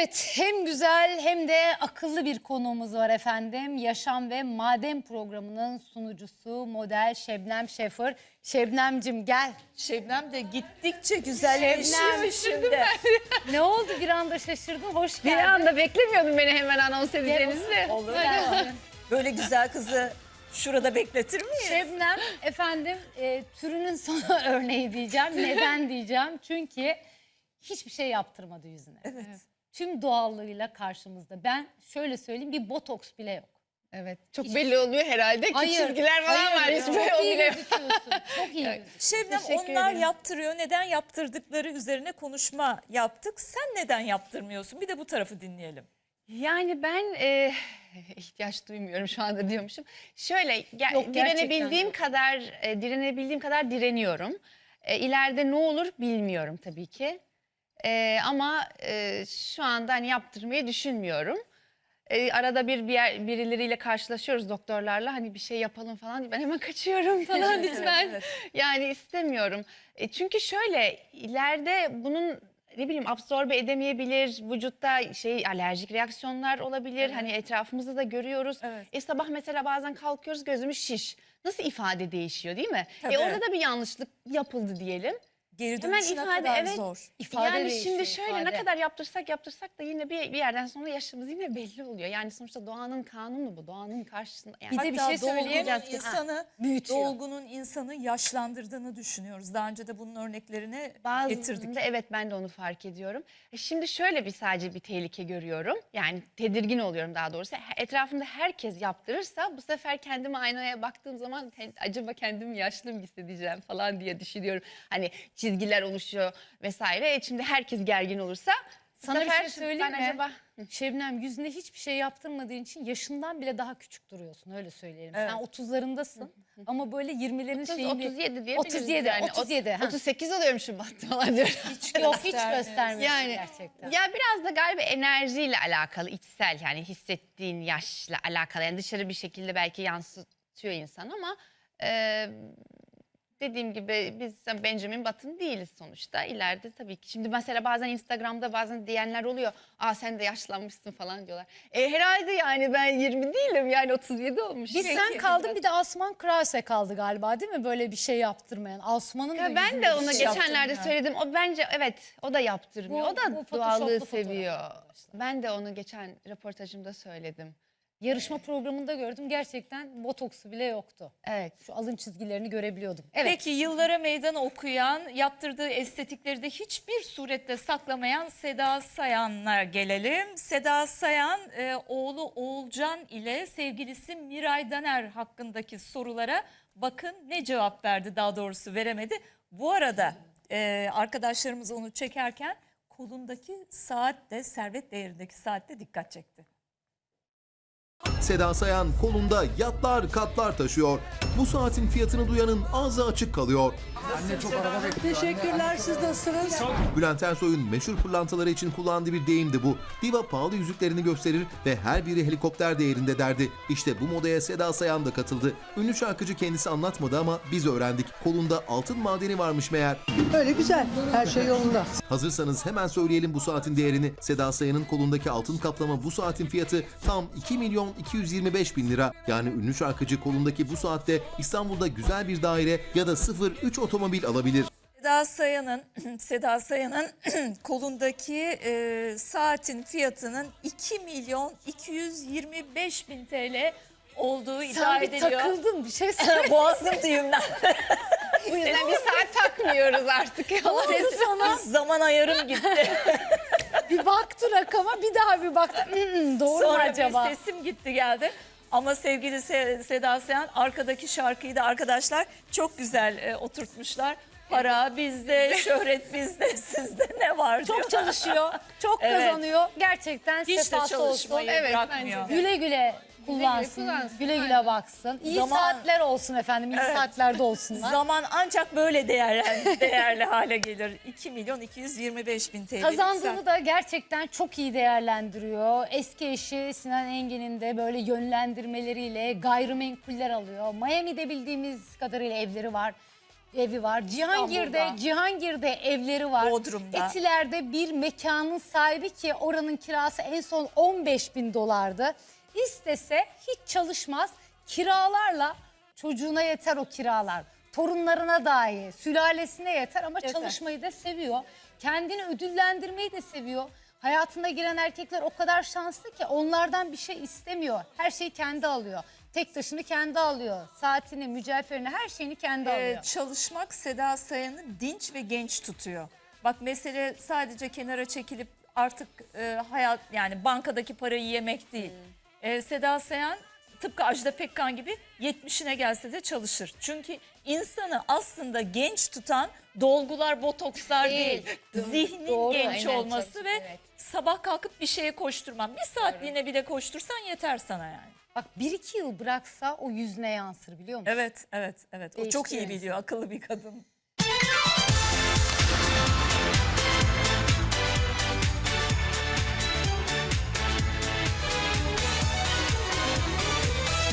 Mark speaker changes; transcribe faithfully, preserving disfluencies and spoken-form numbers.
Speaker 1: Evet, hem güzel hem de akıllı bir konuğumuz var efendim. Yaşam ve Maden programının sunucusu model Şebnem Şefır. Şebnemcim gel.
Speaker 2: Şebnem de gittikçe güzelleşiyor şimdi.
Speaker 1: Ne oldu bir anda şaşırdın? Hoş
Speaker 3: Bir
Speaker 1: geldin.
Speaker 3: anda beklemiyordum beni hemen anons edeceğinizi.
Speaker 2: Olur mu? Böyle güzel kızı şurada bekletir miyiz?
Speaker 1: Şebnem efendim e, türünün son örneği diyeceğim. Neden diyeceğim? Çünkü hiçbir şey yaptırmadı yüzüne.
Speaker 2: Evet.
Speaker 1: Tüm doğallığıyla karşımızda. Ben şöyle söyleyeyim, bir botoks bile yok.
Speaker 3: Evet. Çok belli oluyor herhalde ki çizgiler falan var.
Speaker 1: hayır.
Speaker 3: Hiç
Speaker 1: Çok
Speaker 3: böyle o
Speaker 1: iyi
Speaker 3: bile.
Speaker 1: gözüküyorsun. Çok iyi gözüküyorsun.
Speaker 2: Şebnem
Speaker 3: Teşekkür
Speaker 2: onlar
Speaker 3: ederim.
Speaker 2: yaptırıyor. Neden yaptırdıkları üzerine konuşma yaptık. Sen neden yaptırmıyorsun? Bir de bu tarafı dinleyelim.
Speaker 3: Yani ben e, ihtiyaç duymuyorum şu anda diyormuşum. Şöyle ge-
Speaker 1: Yok, gerçekten
Speaker 3: direnebildiğim
Speaker 1: yok.
Speaker 3: kadar e, direnebildiğim kadar direniyorum. E, ileride ne olur bilmiyorum tabii ki. E, ama e, şu anda hani yaptırmayı düşünmüyorum. E, arada bir, bir yer, birileriyle karşılaşıyoruz doktorlarla, hani bir şey yapalım falan diye ben hemen kaçıyorum falan lütfen.
Speaker 2: evet.
Speaker 3: Yani istemiyorum. E, çünkü şöyle ileride bunun ne bileyim absorbe edemeyebilir, vücutta şey alerjik reaksiyonlar olabilir. Hani etrafımızda da görüyoruz.
Speaker 2: Evet.
Speaker 3: E, sabah mesela bazen kalkıyoruz, gözümüz şiş. Nasıl ifade değişiyor değil mi?
Speaker 2: Tabii.
Speaker 3: E, orada da bir yanlışlık yapıldı diyelim.
Speaker 2: Geri
Speaker 3: Hemen
Speaker 2: dönüşü ne
Speaker 3: ifade,
Speaker 2: kadar
Speaker 3: evet.
Speaker 2: zor.
Speaker 1: İfade
Speaker 3: yani
Speaker 1: değişiyor,
Speaker 3: şimdi şöyle
Speaker 1: ifade.
Speaker 3: ne kadar yaptırsak yaptırsak da yine bir, bir yerden sonra yaşımız yine belli oluyor. Yani sonuçta doğanın kanunu bu. Doğanın karşısında. Yani
Speaker 1: Bir de bir
Speaker 2: Hatta
Speaker 1: şey söyleyemeyeceğiz
Speaker 2: dolgunun
Speaker 1: ki.
Speaker 2: insanı,
Speaker 1: büyütüyor.
Speaker 2: dolgunun insanı yaşlandırdığını düşünüyoruz. Daha önce de bunun örneklerini getirdik.
Speaker 3: bazılarında evet ben de onu fark ediyorum. E şimdi şöyle bir sadece bir tehlike görüyorum. Yani tedirgin oluyorum daha doğrusu. Etrafımda herkes yaptırırsa bu sefer kendime aynaya baktığım zaman acaba kendimi yaşlı mı hissedeceğim falan diye düşünüyorum. Hani çizgiler oluşuyor vesaire. E şimdi herkes gergin olursa bu
Speaker 1: Sana bir
Speaker 3: sefer
Speaker 1: şey söyleyeyim
Speaker 3: ben
Speaker 1: mi?
Speaker 3: acaba
Speaker 1: Şebnem, yüzüne hiçbir şey yaptırmadığın için yaşından bile daha küçük duruyorsun, öyle söyleyelim.
Speaker 2: Evet.
Speaker 1: Sen otuzlarındasın ama böyle yirmilerin
Speaker 3: otuz,
Speaker 1: şeyini...
Speaker 3: otuz yedi diye
Speaker 1: otuz yedi,
Speaker 3: yani.
Speaker 1: otuz yedi. ha.
Speaker 3: otuz sekiz oluyorum Şubat'ta falan diyorum.
Speaker 1: Yok, hiç
Speaker 2: göstermiyoruz.
Speaker 1: göstermiyorsun
Speaker 3: Yani
Speaker 1: gerçekten.
Speaker 3: ya biraz da galiba enerjiyle alakalı, içsel yani hissettiğin yaşla alakalı. Yani dışarı bir şekilde belki yansıtıyor insan ama e, dediğim gibi biz Benjamin Button değiliz sonuçta. İleride tabii ki. Şimdi mesela bazen Instagram'da bazen diyenler oluyor. Aa sen de yaşlanmışsın falan diyorlar. E herhalde yani ben yirmi değilim yani otuz yedi olmuş.
Speaker 1: Biz sen kaldın, bir de Asman Krause kaldı galiba değil mi? Böyle bir şey yaptırmayan. Asman'ın da
Speaker 3: Ya ben
Speaker 1: yüzünde
Speaker 3: de
Speaker 1: bir
Speaker 3: ona
Speaker 1: şey
Speaker 3: geçenlerde
Speaker 1: yaptırmıyor.
Speaker 3: söyledim. O bence evet o da yaptırmıyor.
Speaker 1: Bu-
Speaker 3: o da
Speaker 1: bu photoshoplu
Speaker 3: doğallığı
Speaker 1: fotoğraf
Speaker 3: seviyor.
Speaker 1: arkadaşlar.
Speaker 3: Ben de onu geçen röportajımda söyledim.
Speaker 1: Yarışma programında gördüm, gerçekten botoksu bile yoktu.
Speaker 3: Evet.
Speaker 1: Şu alın çizgilerini görebiliyordum. Evet.
Speaker 2: Peki yıllara meydan okuyan, yaptırdığı estetikleri de hiçbir surette saklamayan Seda Sayan'a gelelim. Seda Sayan e, oğlu Oğulcan ile sevgilisi Miray Daner hakkındaki sorulara bakın ne cevap verdi, daha doğrusu veremedi. Bu arada e, arkadaşlarımız onu çekerken kolundaki saat de, servet değerindeki saat de dikkat çekti.
Speaker 4: Seda Sayan kolunda yatlar katlar taşıyor. Bu saatin fiyatını duyanın ağzı açık kalıyor.
Speaker 5: Teşekkürler, siz nasılsınız?
Speaker 4: Bülent Ersoy'un meşhur pırlantaları için kullandığı bir deyimdi bu. Diva pahalı yüzüklerini gösterir ve her biri helikopter değerinde derdi. İşte bu modaya Seda Sayan da katıldı. Ünlü şarkıcı kendisi anlatmadı ama biz öğrendik. Kolunda altın madeni varmış meğer.
Speaker 5: Öyle güzel, her şey yolunda.
Speaker 4: Hazırsanız hemen söyleyelim bu saatin değerini. Seda Sayan'ın kolundaki altın kaplama bu saatin fiyatı tam iki milyon iki yüz yirmi beş bin lira. Yani ünlü şarkıcı kolundaki bu saatte İstanbul'da güzel bir daire ya da sıfır üç otomobil alabilir.
Speaker 2: Seda Sayan'ın Seda Sayan'ın kolundaki e, saatin fiyatının iki milyon iki yüz yirmi beş bin T L olduğu iddia
Speaker 1: Sen bir
Speaker 2: ediliyor.
Speaker 1: takıldın, bir şey söyle.
Speaker 2: Boğazım düğümden.
Speaker 3: Bu yüzden bir saat takmıyoruz artık.
Speaker 2: Ses sana zaman ayarım gitti.
Speaker 1: Bir baktı rakama, bir daha bir baktı. "Hmm, doğru mu
Speaker 2: Sonra
Speaker 1: acaba?
Speaker 2: bir sesim gitti geldi. Ama sevgili Se- Seda Sayan arkadaki şarkıyı da arkadaşlar çok güzel e, oturtmuşlar. Para bizde, şöhret bizde, sizde ne var diyor.
Speaker 1: Çok çalışıyor, çok
Speaker 2: Evet.
Speaker 1: kazanıyor. Gerçekten
Speaker 2: Hiç de
Speaker 1: sefası olsun.
Speaker 2: çalışmayı
Speaker 3: Evet,
Speaker 2: bırakmıyor.
Speaker 3: bence
Speaker 1: Güle güle kullansın,
Speaker 3: kullansın,
Speaker 1: güle güle baksın. İyi
Speaker 2: Zaman-
Speaker 1: saatler olsun efendim, iyi
Speaker 2: Evet.
Speaker 1: saatlerde olsunlar.
Speaker 2: Zaman ancak böyle değerli, değerli hale gelir. iki milyon iki yüz yirmi beş bin T L.
Speaker 1: Kazandığını da gerçekten çok iyi değerlendiriyor. Eski eşi Sinan Engin'in de böyle yönlendirmeleriyle gayrimenkuller alıyor. Miami'de bildiğimiz kadarıyla evleri var. evi var. Cihangir'de
Speaker 2: İstanbul'da.
Speaker 1: Cihangir'de evleri var.
Speaker 2: Bodrum'da.
Speaker 1: Etiler'de bir mekanın sahibi ki oranın kirası en son on beş bin dolardı. İstese hiç çalışmaz. Kiralarla çocuğuna yeter o kiralar. Torunlarına dahi, sülalesine yeter ama
Speaker 2: Yeter.
Speaker 1: çalışmayı da seviyor. Kendini ödüllendirmeyi de seviyor. Hayatına giren erkekler o kadar şanslı ki onlardan bir şey istemiyor. Her şeyi kendi alıyor. Tek taşını kendi alıyor. Saatini, mücevherini, her şeyini kendi
Speaker 2: Ee,
Speaker 1: alıyor.
Speaker 2: çalışmak Seda Sayan'ı dinç ve genç tutuyor. Bak mesele sadece kenara çekilip artık e, hayat yani bankadaki parayı yemek değil. Ee, Seda Sayan tıpkı Ajda Pekkan gibi yetmişine gelse de çalışır. Çünkü insanı aslında genç tutan dolgular, botokslar değil.
Speaker 3: Değil.
Speaker 2: Zihnin
Speaker 1: Doğru,
Speaker 2: genç
Speaker 3: aynen,
Speaker 2: olması
Speaker 3: çalışıp,
Speaker 2: ve
Speaker 3: evet.
Speaker 2: sabah kalkıp bir şeye koşturman. Bir saatliğine bile koştursan yeter sana yani.
Speaker 1: Bak bir iki yıl bıraksa o yüzüne yansır biliyor musun?
Speaker 2: Evet, evet, evet. O çok iyi
Speaker 1: Değiştiriyor
Speaker 2: biliyor, akıllı bir kadın.